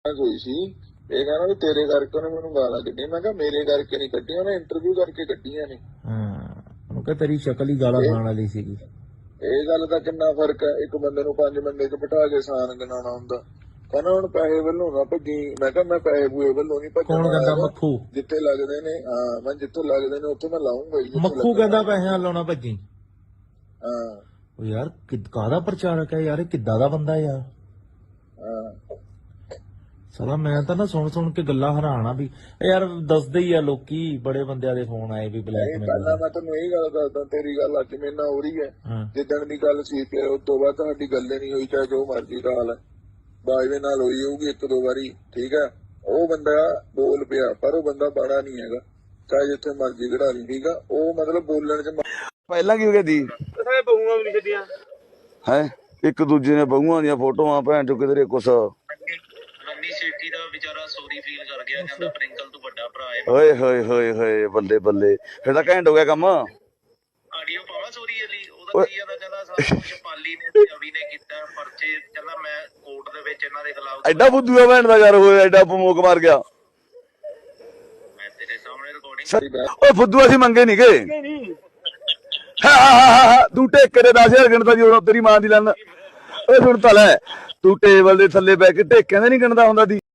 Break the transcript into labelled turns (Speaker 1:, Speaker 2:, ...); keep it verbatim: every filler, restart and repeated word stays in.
Speaker 1: ਹੋਈ ਸੀ ਇਹ ਕਹਿੰਦਾ ਵੀ ਤੇਰੇ ਕਰਕੇ ਉਹਨੇ ਮੈਨੂੰ ਗਾਲਾਂ ਕੱਢੀਆਂ। ਮੈਂ ਕਿਹਾ ਮੇਰੇ ਕਰਕੇ ਨਹੀਂ ਕੱਢੀਆਂ, ਉਹਨੇ ਇੰਟਰਵਿਊ ਕਰਕੇ ਕੱਢੀਆਂ ਨੇ।
Speaker 2: ਹਾਂ ਉਹ ਕਹ ਤੇਰੀ ਸ਼ਕਲ ਹੀ ਗਾਲਾਂ ਖਾਣ ਵਾਲੀ ਸੀਗੀ।
Speaker 1: ਇਹ ਗੱਲ ਦਾ ਕਿੰਨਾ ਫਰਕ ਹੈ, ਇੱਕ ਬੰਦੇ ਨੂੰ ਪੰਜ ਬੰਦੇ ਚ ਬਿਠਾ ਕੇ ਸਾਨ ਗਿਣਾਉਣਾ ਹੁੰਦਾ। ਕਹਿੰਦਾ ਹੁਣ ਪੈਸੇ ਵੱਲੋਂ ਨਾ ਭੱਜੀ। ਮੈਂ ਕਿਹਾ ਮੈਂ ਪੈਸੇ ਪੂਏ ਵੱਲੋਂ ਨਹੀਂ ਭੱਜਣਾ।
Speaker 2: ਕੌਣ ਕਹਿੰਦਾ? ਮੱਖੂ।
Speaker 1: ਜਿੱਥੇ ਲੱਗਦੇ ਨੇ, ਹਾਂ ਮੈਂ ਜਿੱਥੋਂ ਲੱਗਦੇ ਨੇ ਉੱਥੇ ਮੈਂ ਲਾਉਂਗਾ ਹੀ।
Speaker 2: ਮੱਖੂ ਕਹਿੰਦਾ ਪੈਸਿਆਂ ਲਾਉਣਾ ਭੱਜੀ।
Speaker 1: ਹਾਂ
Speaker 2: ਉਹ ਯਾਰ ਕਾਹਦਾ ਪ੍ਰਚਾਰਕ ਹੈ ਯਾਰ, ਇਹ ਕਿੱਦਾਂ ਦਾ ਬੰਦਾ ਯਾਰ।
Speaker 1: ਹਾਂ
Speaker 2: ਸਾਲਾ ਮੈਂ ਤਾਂ ਨਾ ਸੁਣ ਸੁਣ ਕੇ ਗੱਲਾਂ ਹੈਰਾਨ ਆ ਵੀ ਯਾਰ ਦੱਸਦੇ ਹੀ ਆ ਲੋਕੀ, ਬੜੇ ਬੰਦਿਆਂ ਦੇ ਫੋਨ ਆਏ ਵੀ ਬਲੈਕਮੇਲ।
Speaker 1: ਪਹਿਲਾਂ ਮੈਂ ਤੈਨੂੰ ਇਹ ਗੱਲ ਦੱਸਦਾ, ਤੇਰੀ ਗੱਲ ਅੱਜ ਮੇਰੇ ਨਾਲ ਹੋ ਰਹੀ ਹੈ। ਜਿੱਦਣ ਦੀ ਗੱਲ ਸੀ ਫਿਰ ਉਸ ਤੋਂ ਬਾਅਦ ਤੁਹਾਡੀ ਗੱਲੇ ਨਹੀਂ ਹੋਈ, ਚਾਹੇ ਜੋ ਮਰਜ਼ੀ ਦਾ ਹਾਲ ਹੈ। ਬਾਜਵੇ ਨਾਲ ਹੋਈ ਹੋਊਗੀ ਇੱਕ ਦੋ ਵਾਰੀ, ਠੀਕ ਹੈ। ਉਹ ਬੰਦਾ ਬੋਲ ਪਿਆ ਪਰ ਉਹ ਬੰਦਾ ਬਾੜਾ ਨਹੀਂ ਹੈਗਾ, ਚਾਹੇ ਜਿੱਥੇ ਮਰਜ਼ੀ ਖੜਾ ਲਈ, ਠੀਕ ਆ। ਉਹ ਮਤਲਬ ਬੋਲਣ ਚ
Speaker 3: ਪਹਿਲਾਂ ਕੀ ਹੋ ਗਿਆ ਦੀ
Speaker 4: ਬਹੂਆਂ ਵੀ ਨਹੀਂ ਛੱਡੀਆਂ
Speaker 3: ਹੈ, ਇੱਕ ਦੂਜੇ ਨੇ ਬਹੂਆਂ ਦੀਆਂ ਫੋਟੋਆਂ ਭੈਣ ਚੋ ਕਿਧਰੇ ਕੁਛ।
Speaker 4: ਰੰਨੀ ਸੇਠੀ ਦਾ ਵਿਚਾਰਾ ਸੌਰੀ ਫੀਲ ਕਰ ਗਿਆ, ਕਹਿੰਦਾ ਪ੍ਰਿੰਕਲ ਤੋਂ ਵੱਡਾ ਭਰਾ ਹੈ।
Speaker 3: ਓਏ ਹੋਏ ਹੋਏ ਹੋਏ ਬੱਲੇ ਬੱਲੇ, ਫਿਰ ਤਾਂ ਘੈਂਟ ਹੋ ਗਿਆ ਕੰਮ।
Speaker 4: ਆਡੀਓ ਪਾਵਾ ਸੌਰੀ ਵਾਲੀ, ਉਹਦਾ ਕੀ ਆਦਾ, ਕਹਿੰਦਾ ਸਾਰਾ ਕੁਝ ਪਾਲੀ ਨੇ ਤੇ ਅਵੀ ਨੇ ਕੀਤਾ, ਪਰਚੇ ਕਹਿੰਦਾ ਮੈਂ ਕੋਰਟ ਦੇ ਵਿੱਚ ਇਹਨਾਂ ਦੇ ਖਿਲਾਫ।
Speaker 3: ਐਡਾ ਬੁੱਧੂ ਆ ਭੈਣ ਦਾ ਯਾਰ, ਹੋਇਆ ਐਡਾ ਮੋਕ ਮਾਰ ਗਿਆ।
Speaker 4: ਮੈਂ ਤੇਰੇ ਸਾਹਮਣੇ ਰਿਕਾਰਡਿੰਗ।
Speaker 3: ਓਏ ਫੁੱਦੂ ਅਸੀਂ ਮੰਗੇ ਨੀ ਗਏ। ਤੂੰ ਟੇਕੇ ਦੇ ਦਸ ਹਜ਼ਾਰ ਗਿਣਦਾ ਜੀ ਹੁਣ ਤੇਰੀ ਮਾਂ ਦੀ ਲੰਨ। ਓਏ ਸੁਣ ਤਾਂ ਲੈ, ਤੂੰ ਟੇਬਲ ਦੇ ਥੱਲੇ ਬਹਿ ਕੇ ਟੇਕਿਆਂ ਦੇ ਨੀ ਗਿਣਦਾ ਹੁੰਦਾ ਦੀ।